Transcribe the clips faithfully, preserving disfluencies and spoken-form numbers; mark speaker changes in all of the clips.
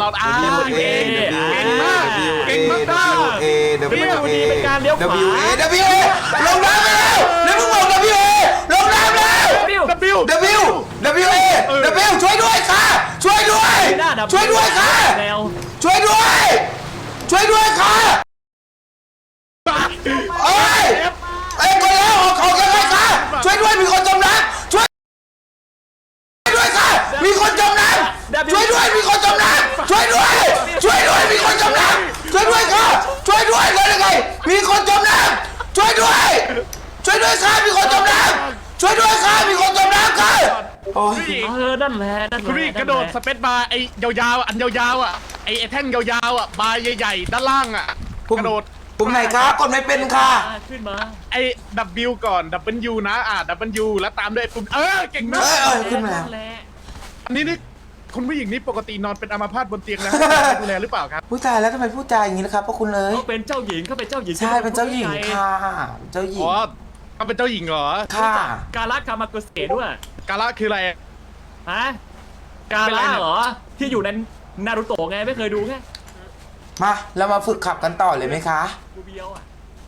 Speaker 1: อนอ่าเก่งมากเก่งมาก
Speaker 2: W A W A
Speaker 3: เป็นการเลี้ยวขวา
Speaker 2: W A W A ลงน้ำไปแล้วแล้วมึงบอก W A ลงน้ำแล้ว
Speaker 1: W
Speaker 2: W W A W ช่วยด้วยค่ะช่วยด้วยช่วยด้วยค่ะช่วยด้วยช่วยด้วยค่ะเอ้ยเอ้ยคนแล้วออกของยังไงคะช่วยด้วยมีคนจมน้ำช่วยด้วยค่ะมีคนจมน้ำช่วยด้วยมีคนจมน้ำช่วยด้วยช่วยด้วยมีคนจมน้ำช่วยด้วยค่ะช่วยด้วยเลยยังไงมีคนจมน้ำช่วยด้วยช่วยด้วยค่ะมีคนจมน้ำช่วยด้วยค่ะมีคนจมน้ำค่ะโอ้ย
Speaker 3: เออนั่นแหละนั่นแหละ
Speaker 1: คุณพี่กระโดดสเปซบาร์ไอ้ยาวๆอันยาวๆอ่ะไอ้แท่งยาวๆอ่ะบาร์ใหญ่ๆด้านล่างอ่ะกระโดด
Speaker 2: ปุ่มไหนคะกดไม่เป็นค่ะ
Speaker 3: ขึ้นมา
Speaker 1: ไอ้ W ก่อน W นะอ่ะ W แล้วตามด้วยปุ่มเออเก่งมาก
Speaker 2: เอ้ยเอ้ยขึ้นมาแล้ว
Speaker 1: อันนี้นี่คุณผู้หญิงนี่ปกตินอนเป็นอัมพาตบนเตียงนะดูแลหรือเปล่าครับ
Speaker 2: ผู้ชายแล้วทำไมพูดจาอย่างนี้นะครับพ่อคุณเลย
Speaker 3: เขาเป็นเจ้าหญิงเขาเป็นเจ้าหญิง
Speaker 2: ใช่เป็นเจ้าหญิงค่ะเจ้าหญิง
Speaker 1: อ๋อเขาเป็นเจ้าหญิงเหรอ
Speaker 2: ค่ะ
Speaker 3: การละคามาโกเสด้วย
Speaker 1: กาละคืออะไร
Speaker 3: ฮะกาละเหรอที่อยู่ในนารูโตะไงไม่เคยดูไง
Speaker 2: มาเรามาฝึกขับกันต่อเลยไหมคะ
Speaker 3: กูเบียวอ่ะ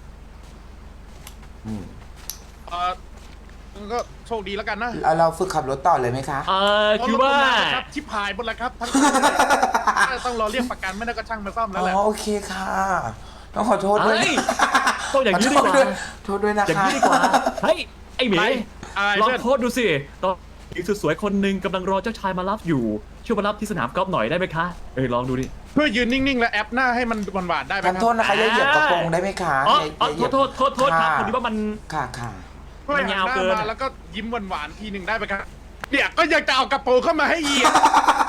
Speaker 2: อืม
Speaker 1: เออก็โชคดีแล้วกันนะ
Speaker 2: เราเราฝึกขับรถต่อเลยไหมคะ
Speaker 3: เออคือว่า
Speaker 1: ครับชิบหายหมดแล้วครับทั้งต้องรอเรียกประกันไม่ได้ก็ช่างมาซ่อมแล้วแหละ
Speaker 2: อ๋อโอเคค่ะต้องขอโทษด้วย
Speaker 3: เฮ้ยต้องอย่างนี้ดีกว่า
Speaker 2: โทษด้วยนะ
Speaker 3: อย่าง
Speaker 2: คะ
Speaker 3: นี้ดีกว่าเฮ้ยไอ้หมี
Speaker 1: อะไร
Speaker 3: ลอง
Speaker 1: เพื่อน
Speaker 3: โพสต์ดูสิตอนหญิงสวยๆคนหนึ่งกำลังรอเจ้าชายมารับอยู่ช่วยมารับที่สนามกอล์ฟหน่อยได้ไหมคะเอ้ยลองดูดิ
Speaker 1: เพื่อยืนนิ่งๆและแอปหน้าให้มันหวานๆได้ไหม
Speaker 2: ขอ
Speaker 1: ครั
Speaker 2: โทษนะคะอย่าเหยียบกระโปรงได้ไหมคะ
Speaker 3: อ๋อ
Speaker 2: อย่า
Speaker 3: อ๋อ
Speaker 2: อย่าเห
Speaker 3: โท
Speaker 2: ยีย
Speaker 3: ษโทษโทษโทษครับพอดีว่ามัน
Speaker 2: ค่ะค่ะ
Speaker 1: เพื่อหันห
Speaker 3: มันยาว
Speaker 1: น้า
Speaker 3: เกิน
Speaker 1: มาแล้วก็ยิ้มหวานๆทีหนึ่งได้ไหมครับเนี่ยก็อยากจะเอากระโปรงเข้ามาให้เหยียบ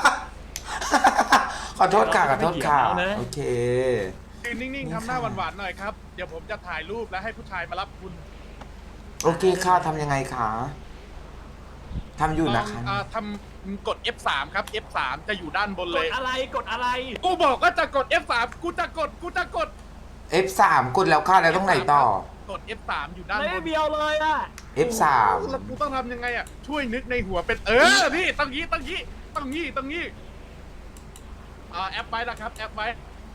Speaker 2: ขอโทษค่ะขอโทษค่ะโอเค
Speaker 1: ยืนนิ่งๆทำหน้าหวานๆหน่อยครับเดี๋ยวผมจะถ่ายรูปแล้วให้ผู้ชายมารับคุณ
Speaker 2: โอเคค่ะทำยังไงคะทำอยู่นะคะ
Speaker 1: อ่าทำกด เอฟ สาม ครับ เอฟ สาม จะอยู่ด้านบน
Speaker 3: ก
Speaker 1: เล
Speaker 3: ด
Speaker 1: ย
Speaker 3: อะไรกดอะไร
Speaker 1: กูบอกก็จะกด เอฟ สาม กูจะกดกูจะกด
Speaker 2: เอฟ สาม กดแล้วค่ะแล้วต้องไหนต่อ
Speaker 1: กด เอฟ สาม อยู่ด้าน
Speaker 3: ไม่
Speaker 1: บน
Speaker 3: เบียวเลยอ่ะ
Speaker 2: เอฟ สาม
Speaker 1: แล้วกูต้องทำยังไงอ่ะช่วยนึกในหัวเป็นเออพี่ต้องงี้ต้องงี้ต้องงี้ต้องงี้อ่าแอปไว้นะครับแอปไว้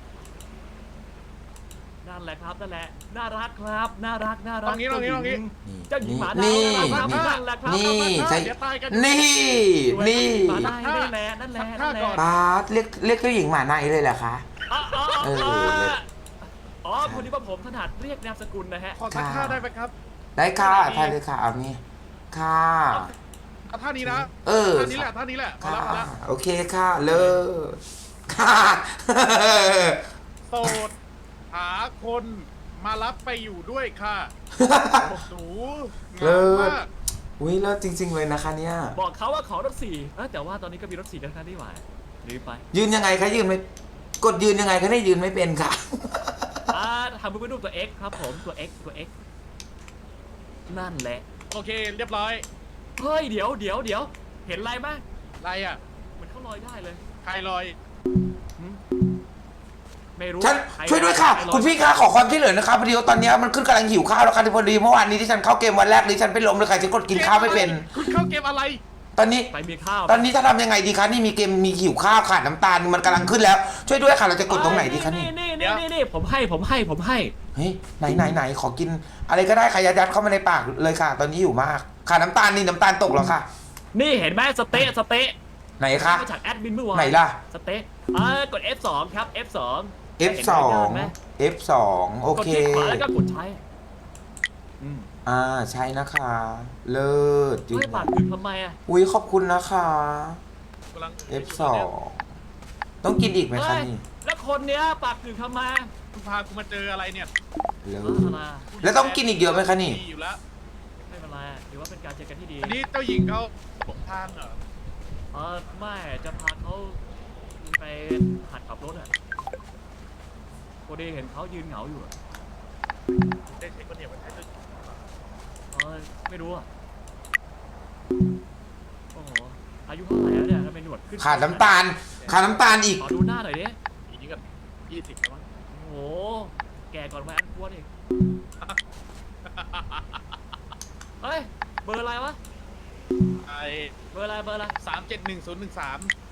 Speaker 3: นั่นแหละครับนั่นแหละน่ารักครับน่ารักน่ารั
Speaker 1: ตร
Speaker 3: ก
Speaker 1: งนี้ตรงนี้ตรงนี้
Speaker 3: เจ้าหญิงหมา
Speaker 2: นี่
Speaker 3: ดาวนั่น
Speaker 2: นี่
Speaker 3: แหละครับ
Speaker 2: นี่
Speaker 1: ครับ
Speaker 2: ใช่
Speaker 1: เดี๋ยวตายกัน
Speaker 2: นี่นี่
Speaker 3: หมาได้นั่นแหละนั่นแหละนั่นแหละ
Speaker 2: บาสเรียกเรียกเจ้าหญิงหมาในเลยเหรอคะ
Speaker 3: อ๋ออ๋อ
Speaker 2: เอ
Speaker 3: อ๋
Speaker 2: อ
Speaker 3: ออ๋อพอดีว่าผมถนัดเรียกนามสกุลนะฮะ
Speaker 1: ขอสักท่าได้ไหมครับ
Speaker 2: ได้ค่ะท่านเลยค่ะเอานี่ค่ะ
Speaker 1: เอาท่านี้นะ
Speaker 2: เออ
Speaker 1: ท่านี้แหละท่านี้แหละมา
Speaker 2: ค่ะ
Speaker 1: แล้วมาแล้ว
Speaker 2: โอเคค่ะเลิศค่ะ
Speaker 1: โสดหาคนมารับไปอยู่ด้วยค่ะหนูเห
Speaker 2: เลิ
Speaker 1: งา
Speaker 2: ศ
Speaker 1: มาก
Speaker 2: อุ้ยเลิศจริง ๆเลยนะคะเนี่ย
Speaker 3: บอกเขาว่าขอรถสี่เอ้ยแต่ว่าตอนนี้ก็มีรถสี่กันครับที่หว่าลืมไป
Speaker 2: ยืนยังไงคะยืนไม่กดยืนยังไงคะได้ยืนไม่เป็นค่ะ
Speaker 3: อ่าทำเป็นรูปตัว X ครับผมตัว X ตัว X นั่นแหละ
Speaker 1: โอเคเรียบร้อย
Speaker 3: เฮ้ยเดี๋ยวเดี๋ยวเดี๋ยวเห็นอะไรไหม
Speaker 1: อะไรอ่ะ
Speaker 3: เหมือนเขาลอยได้เลย
Speaker 1: ใครลอย
Speaker 3: หืมไม่รู้
Speaker 2: ฉัน
Speaker 3: ใคร
Speaker 2: ช่วยด้วยค่ะ
Speaker 3: ใรลอ
Speaker 2: คุณพี่คะขอความช่วยเหลือนะคะพอดีว่าตอนนี้มันขึ้นกำลังหิวข้าวแล้วค่ะที่พอดีเมื่อวานนี้ที่ฉันเข้าเกมวันแรกนี้ฉันไปล้มเลยค่ะฉันกดกินข้าวไม่เป็น
Speaker 1: คุณเข้าเกมอะไร
Speaker 2: ตอนนี้
Speaker 3: ไปมีข้าว
Speaker 2: ตอนนี้จะทำยังไงดีคะนี่มีเกมมีหิวข้าวขาดน้ำตาลมันกำลังขึ้นแล้ว ช่วยด้วยค่ะเราจะกดตรงไหนดีคะนี่
Speaker 3: นี่นี่นี่นี่ผมให้ผมให้ผมให้
Speaker 2: เฮ้ยไหนไหนไหนขอกิน อะไรก็ได้ค่ะยัดยัดเข้ามาในปากเลยค่ะ ตอนนี้อยู่มากขาดน้ำตาลนี่น้ำตาลตกแล้วค่ะ
Speaker 3: นี่เห็นไหมสเต๊ะสเต๊ะ
Speaker 2: ไหนคะ
Speaker 3: มาจากแอดมินเมื่อวาน
Speaker 2: ไหนล่ะ
Speaker 3: สเต๊ะอ่ากด เอฟ สอง ครับ เอฟ สอง
Speaker 2: เอฟ สอง เอฟ สองโอก
Speaker 3: ด
Speaker 2: เค
Speaker 3: คลิกขวาแล้วก็กดใช้อืม
Speaker 2: อ่าใช่นะคะ เลิศจริง
Speaker 3: ไม่ปากถึงทำไมอ่ะ
Speaker 2: อุ้ยขอบคุณนะคะ
Speaker 1: กำลัง
Speaker 2: เอฟ สองต้องกินอีกไหมคะ
Speaker 3: เฮ้ย
Speaker 2: นี่
Speaker 3: แล้วคนเนี้ยปากถึงทำไม
Speaker 1: คุณพากูมาเจออะไรเนี่ย
Speaker 2: เลิ
Speaker 3: อ่า
Speaker 2: ศ
Speaker 3: มา
Speaker 2: แล้วต้องกินอีกเยอะไหมคะนี่
Speaker 1: ดีอยู่แล้ว
Speaker 3: ไม่เป็นไรถือว่าเป็นการเจอกันที่ดี
Speaker 1: อันนี้เจ้าหญิงเขาหลงทางเหรอ
Speaker 3: เออไม่จะพาเขาไปหัดขับรถอ่ะพอดีเห็นเขายืนเหงาอยู่อะ
Speaker 1: ได้เช็คว่าเนี่ยมันใช่เจ้าหญิงหรือเปล่า
Speaker 3: เออไม่รู้อ่ะโอ้โหอายุเท่าไหร่แล้วเนี่ยทำไมหนวดขึ้น
Speaker 2: ขาดน้ำตาลขาดน้ำตาลอีก
Speaker 3: ขอดูหน้าหน่อยดิ
Speaker 1: ปีนี้กับยี่สิบแล้วมั้ง
Speaker 3: โอ้โหแก่ก่อนวัยอันควรอีกเฮ้ยเบอร์อะไรวะ
Speaker 1: ไอ
Speaker 3: เบอร์อะไรเบอร์อะไร
Speaker 1: สามเจ็ดหนึ่งศูนย์หนึ่งสาม